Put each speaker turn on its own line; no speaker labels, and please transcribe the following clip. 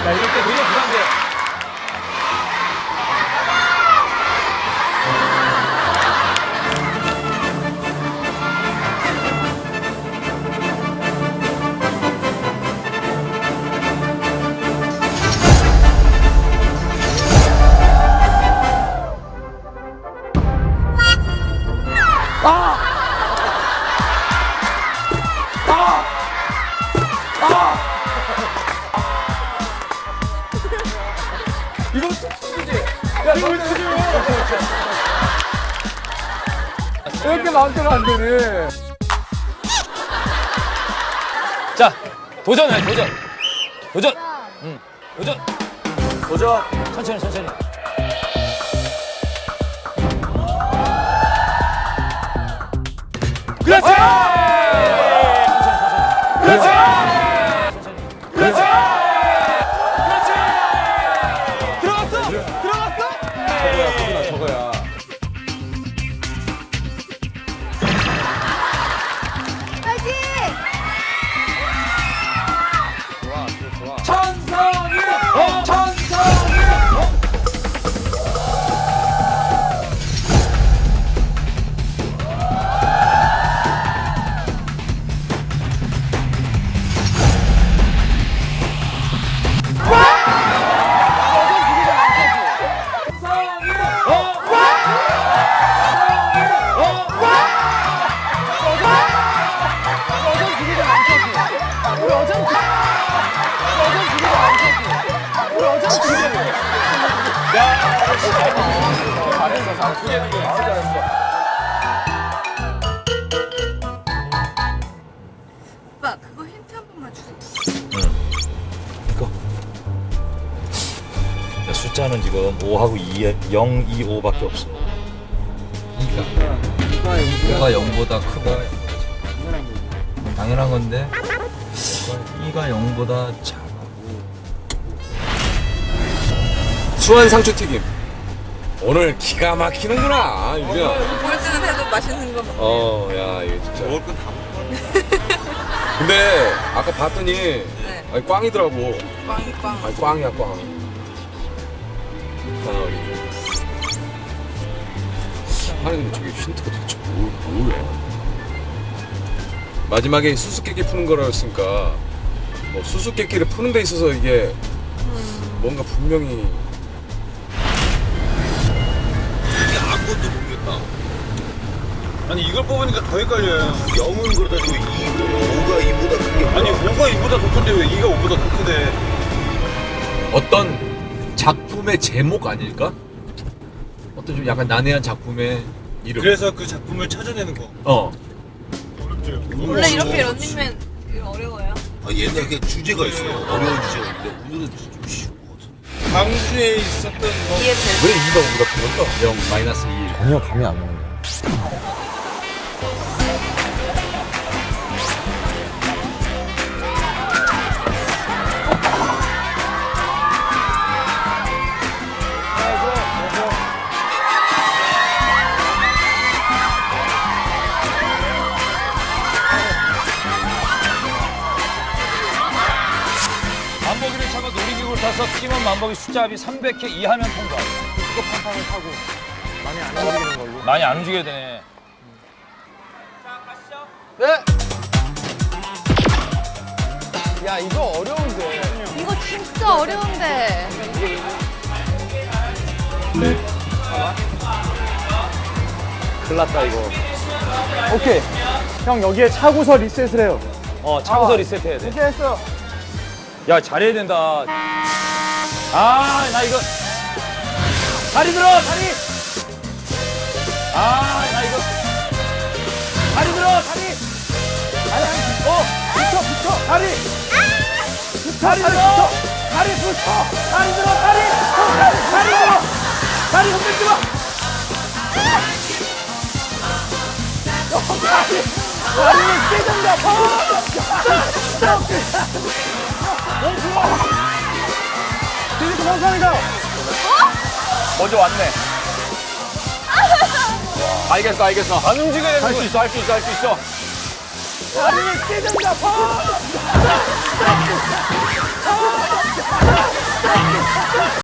야, 이럴 때 되게 부담돼. 이거 특수지? 야, 이거 특수지? 이렇게 마음대로 안 되네. 자, 도전해, 도전. 도전. 응, 도전. 도전. 천천히, 천천히. 그렇지! 그렇지! 그렇지! 들어갔어! 들어갔어! 저거야, 저거야.
파이팅!
좋아, 좋아. 천성이! 천성이!
오빠 그거 힌트 한 번만 주세요.
이거. 야, 숫자는 지금 5하고 0, 2, 5밖에 없어. 2가 0보다 크고 당연한 건데 2가 0보다 작아.
수완 상추튀김. 오늘 기가 막히는구나, 유빈아.
우울증은 해도 맛있는 거 먹어.
야, 이거 진짜. 먹을 건 다 먹었네. 근데 아까 봤더니
네.
아니, 꽝이더라고.
빵빵.
아니, 꽝이야, 꽝. 아니, 근데 저게 힌트가 도대체 뭐야? 마지막에 수수께끼 푸는 거라였으니까 뭐 수수께끼를 푸는 데 있어서 이게 뭔가 분명히
아무것도 모르겠다. 아니 이걸 뽑으니까 더 헷갈려요. 0은 그러다 지고 5가 2보다 큰 게 아니 5가 2보다 더 큰데 왜 2가 5보다 더 크대?
어떤 작품의 제목 아닐까? 어떤 좀 약간 난해한 작품의 이름.
그래서 그 작품을 찾아내는 거. 어렵죠.
원래 이렇게 런닝맨 이거 어려워요?
아 옛날에 주제가 있어요. 어려운 주제가 있는데 오늘은 좀 쉬운 것 같아. 광주에 있었던 뭐
이해 돼.
왜 2가 5보다 큰 걸까? 0, 마이너스 2.
전혀 감이 안 오네.
만보기를 차고 놀이기구를 타서 튀김원 만보기 숫자 합이 300회 이하면 통과.
판판을 타고 많이 안 움직이는 걸로.
많이 안 움직여야 되네.
야 이거 어려운데.
이거 진짜 어려운데.
큰일 났다 이거. 오케이. 형 여기에 차고서 리셋을 해요.
차고서 리셋해야 돼.
이렇게 했어.
야, 잘해야 된다. 아, 나 이거. 다리 들어, 다리! 아, 나 이거. 다리 들어, 다리!
붙여. 다리.
다리 들어! 다리 붙여! 다리 들어, 다리! 다리 들어! 다리 흔들지 마! 다리 깨진다,
디지트 정상이다.
먼저 왔네. 알겠어. 안 움직여야 돼. 할 수 있어. 다리 깨진다,